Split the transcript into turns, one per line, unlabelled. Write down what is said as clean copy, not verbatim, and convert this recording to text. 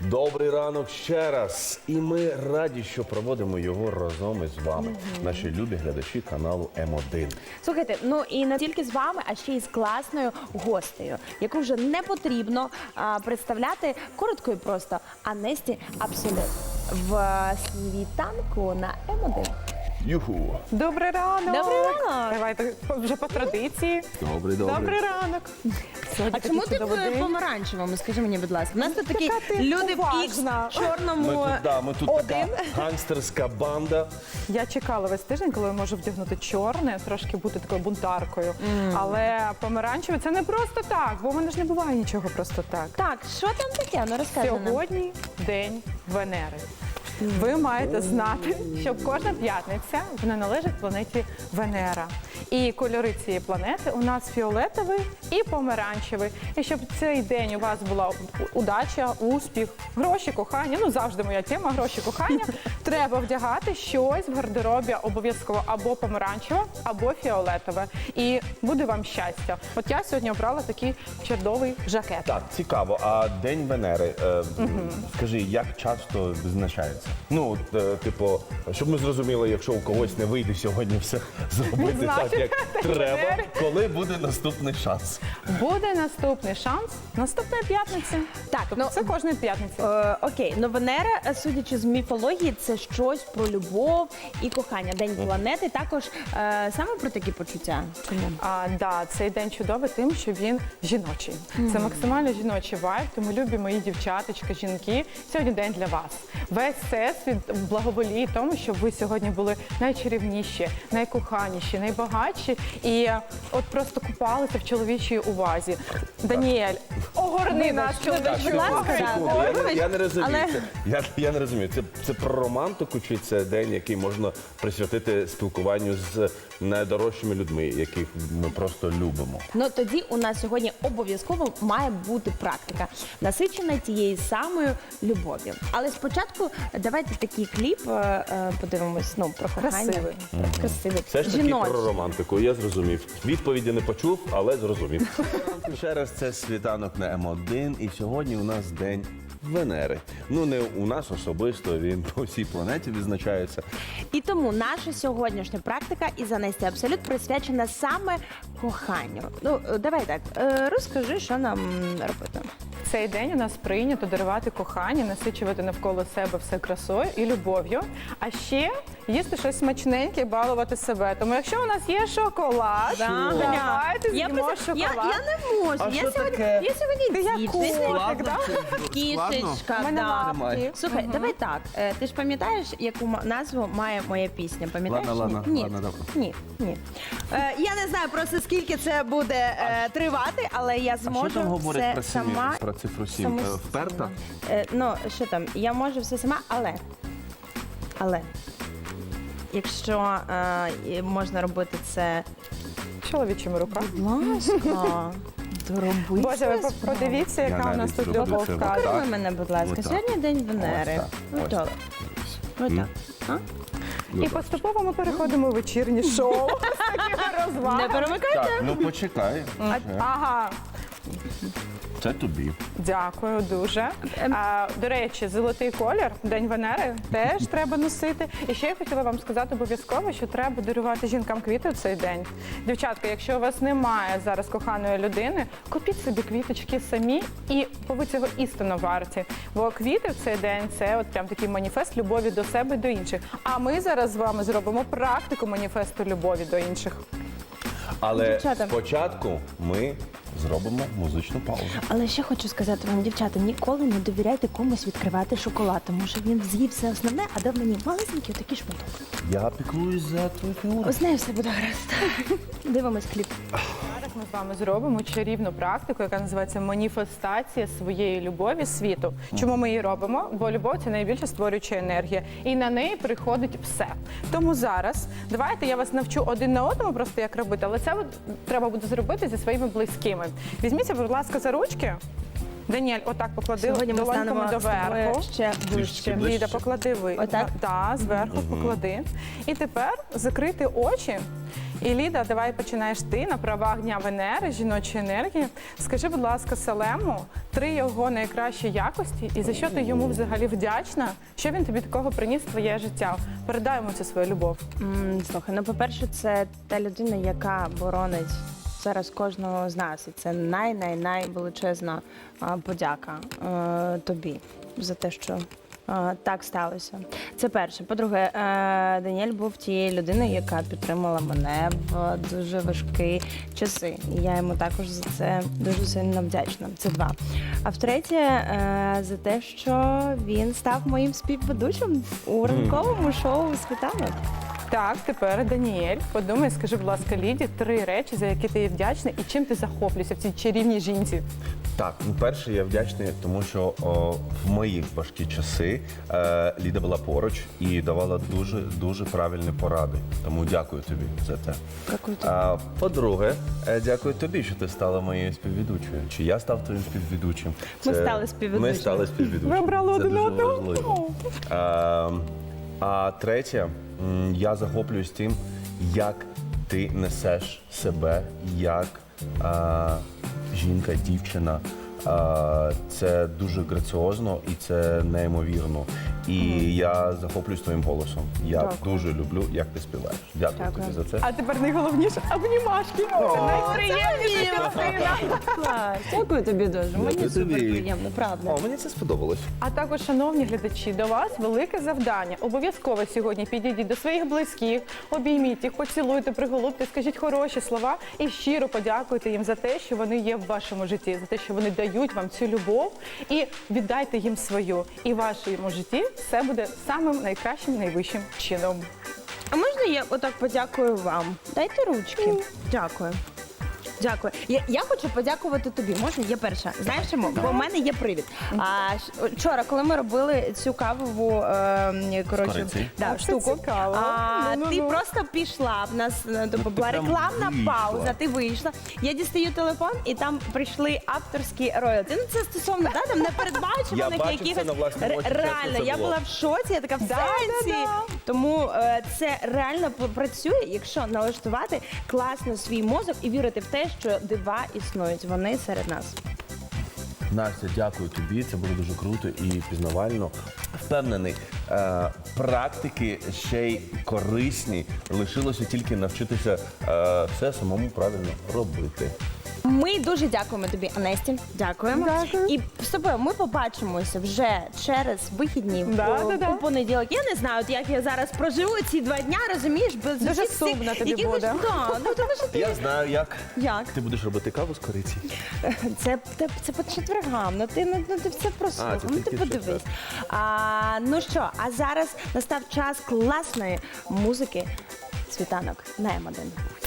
Добрий ранок ще раз. І ми раді, що проводимо його разом із вами, наші любі глядачі каналу М1.
Слухайте, ну і не тільки з вами, а ще й з класною гостею, яку вже не потрібно представляти коротко і просто. Анесті Абсолют в світанку на М1.
Юху!
Добрий ранок!
Добрий ранок!
Давайте вже по традиції.
Добрий.
Добрий ранок! Сьогодні
А чому
такий
ти
чудовий
в
день.
помаранчевому? Скажи мені, будь ласка. У нас тут такі
ти
люди в ікс
уважна.
чорному.
Ми тут така гангстерська банда.
Я чекала весь тиждень, коли я можу вдягнути чорне, трошки бути такою бунтаркою. Але помаранчеве це не просто так, бо в мене ж не буває нічого просто так.
Так, що там таке? Ну розкажи нам.
Сьогодні день Венери. Ви маєте знати, що кожна п'ятниця вона належить планеті Венера. І кольори цієї планети у нас фіолетовий і помаранчевий. І щоб цей день у вас була удача, успіх, гроші, кохання, ну завжди моя тема, гроші, кохання, треба вдягати щось в гардеробі обов'язково або помаранчеве, або фіолетове. І буде вам щастя. От я сьогодні обрала такий чудовий жакет.
Так, цікаво. А День Венери, скажи, як часто відзначається? Ну, от, типу, щоб ми зрозуміли, якщо у когось не вийде сьогодні все зробити так, як треба, коли буде наступний шанс?
Буде наступний шанс наступної п'ятниці.
Так,
Тобто це кожної п'ятниці.
Окей, ну Венера, судячи з міфології, це щось про любов і кохання. День планети також саме про такі почуття. Чому?
Да, цей день чудовий тим, що він жіночий. Це максимально жіночий вайб, тому любі мої дівчаточки, жінки, сьогодні день для вас. Весь всесвіт благоволіє тому, щоб ви сьогодні були найчарівніші, найкоханіші, найбагатші і от просто купалися в чоловічій увазі. Даніель, огорни нас чоловічою
будь ласка,
увагою.
Я не розумію.
Але-
Я не розумію. Це про романтику, чи це день, який можна присвятити спілкуванню з найдорожчими людьми, яких ми просто любимо?
Ну тоді у нас сьогодні обов'язково має бути практика, насичена тією самою любов'ю. Але спочатку давайте такий кліп подивимось, ну, про кохання.
Красивий.
Красивий.
Все ж таки
Жіночий.
про романтику, я зрозумів. Відповіді не почув, але зрозумів. Ще раз, це світанок на М1, і сьогодні у нас День Венери. Ну, не у нас особисто, він по всій планеті відзначається.
І тому наша сьогоднішня практика із Анесті Абсолют присвячена саме коханню. Ну, давай так, розкажи, що нам робити.
Цей день у нас прийнято дарувати кохання, насичувати навколо себе все красою і любов'ю, а ще їсти щось смачненьке і балувати себе. Тому якщо у нас є шоколад, давайте з'їмо шоколад.
Я не можу.
А
Я
що
сьогодні,
таке?
я сьогодні
Ти як
дівчина.
котик, да?
Кішечка,
У мене
да.
лапки.
Слухай, давай так. Ти ж пам'ятаєш, яку назву має моя пісня? Пам'ятаєш?
Ладно,
Ні.
ладно, добре.
Ні. Я не знаю просто скільки це буде тривати, але я
А що
зможу
там говорить
все сама.
про цифру 7?
самостійно.
Вперта?
Ну, що там, я можу все сама, але якщо можна робити це,
Чоловічими руками.
будь ласка, доробити.
Боже, ви
свою справу.
подивіться,
Я
яка у нас
навіть
тут
зроблю
любов
це
в
отак.
кадрі.
Покажи мене, будь ласка.
Отак.
Сьогодні день Венери.
Ось так.
Отак.
І поступово ми переходимо у вечірнє шоу з такими
Не
розвагами.
перемикайте.
Так, ну почекай.
Ага,
Це тобі.
дякую дуже. До речі, золотий колір, День Венери, теж треба носити. І ще я хотіла вам сказати обов'язково, що треба дарувати жінкам квіти в цей день. Дівчатка, якщо у вас немає зараз коханої людини, купіть собі квіточки самі, і ви цього істинно варті. Бо квіти в цей день – це от прям такий маніфест любові до себе і до інших. А ми зараз з вами зробимо практику маніфесту любові до інших.
Але
Дівчата.
спочатку ми зробимо музичну паузу.
Але ще хочу сказати вам, дівчата, ніколи не довіряйте комусь відкривати шоколад, тому що він з'їв все основне, а дав мені малесенький отакий шматок.
Я піклуюсь за твою фігуру.
Ось з нею все буде гаразд. Дивимось кліп.
Зараз ми з вами зробимо чарівну практику, яка називається маніфестація своєї любові світу. Чому ми її робимо? Бо любов – це найбільше створююча енергія. І на неї приходить все. Тому зараз давайте я вас навчу один на одному просто як робити, але це треба буде зробити зі своїми близькими. Візьміться, будь ласка, за ручки. Даніель, отак поклади
Сьогодні ми
долоньками
станемо з
доверху.
тобою ще ближче.
ближче.
Ліда, поклади ви.
Отак?
Так, зверху поклади. І тепер закрити очі І Ліда, давай починаєш ти на правах Дня Венери, жіночої енергії. Скажи, будь ласка, Селему 3 його найкращі якості і за що ти йому взагалі вдячна, що він тобі такого приніс в твоє життя. Передай йому цю свою любов.
Слухай, ну по-перше, це та людина, яка боронить зараз кожного з нас. І це найвеличезна подяка тобі за те, що так сталося. Це перше. По-друге, Даніель був тією людиною, яка підтримала мене в дуже важкі часи. І я йому також за це дуже сильно вдячна. Це 2. А втретє, за те, що він став моїм співведучим у ранковому шоу «Світанок».
Так, тепер Даніель, подумай, скажи, будь ласка, Ліді 3 речі, за які ти їй вдячна і чим ти захоплюєшся в цій чарівній жінці.
Так, ну перше, я вдячний, тому що в мої важкі часи Ліда була поруч і давала дуже правильні поради. Тому дякую тобі за те.
Дякую тобі.
По-друге, дякую тобі, що ти стала моєю співведучою. Чи я став твоїм співведучим?
Ми стали співведучими.
Ми стали співведучими.
Ви обрали
Це
один
дуже
одного.
важливо. А третє, я захоплююсь тим, як ти несеш себе як жінка, дівчина. Це дуже граціозно і це неймовірно. І я захоплююсь твоїм голосом. Я
Дякую.
дуже люблю, як ти співаєш. Дякую
Дякую.
тобі за це.
А тепер найголовніше – обнімашки. Це найприємніша частина.
Клас. Дякую тобі дуже. Мені
Дякую
супер
тобі.
приємно, правда.
О, мені це сподобалось.
А також, шановні глядачі, до вас велике завдання. Обов'язково сьогодні підійдіть до своїх близьких, обійміть їх, поцілуйте, приголубте, скажіть хороші слова і щиро подякуйте їм за те, що вони є в вашому житті, за те, що вони дають вам цю любов, і віддайте їм свою. І в вашому житті все буде самим найкращим, найвищим чином.
А можна я отак подякую вам? Дайте ручки. Дякую. Дякую. Я хочу подякувати тобі. Можна? Я перша. Знаєш чому? Бо в мене є привід. Вчора, коли ми робили цю кавову
Кориці.
Це
штуку,
цікаво.
ти просто пішла. В нас була
прям
рекламна
вийшла.
пауза, ти вийшла. Я дістаю телефон, і там прийшли авторські роялті. Ну це стосовно там
Я
непередбачуваних
бачив це
якихось.
на власні очі, чесно,
Реально,
це
я
було.
була в шоці, я така в сенсі. Тому це реально працює, якщо налаштувати класно свій мозок і вірити в те, що дива існують. Вони серед нас.
Настя, дякую тобі. Це було дуже круто і пізнавально. Впевнений, практики ще й корисні. Лишилося тільки навчитися все самому правильно робити.
Ми дуже дякуємо тобі, Анесті. Дякуємо.
Дякую.
І з тобою ми побачимося вже через вихідні у понеділок. Я не знаю, от як я зараз проживу ці 2 дня, розумієш, без
Дуже
усіх цих
сумно тобі
якихось-
буде.
Да, ну тому що ти
Я знаю, як.
як?
Ти будеш робити каву з кориці.
Це по четвергам. Ну ти все прослухав.
це
Ну ти
тільки в
подивись. Ну що, а зараз настав час класної музики. Світанок на М1.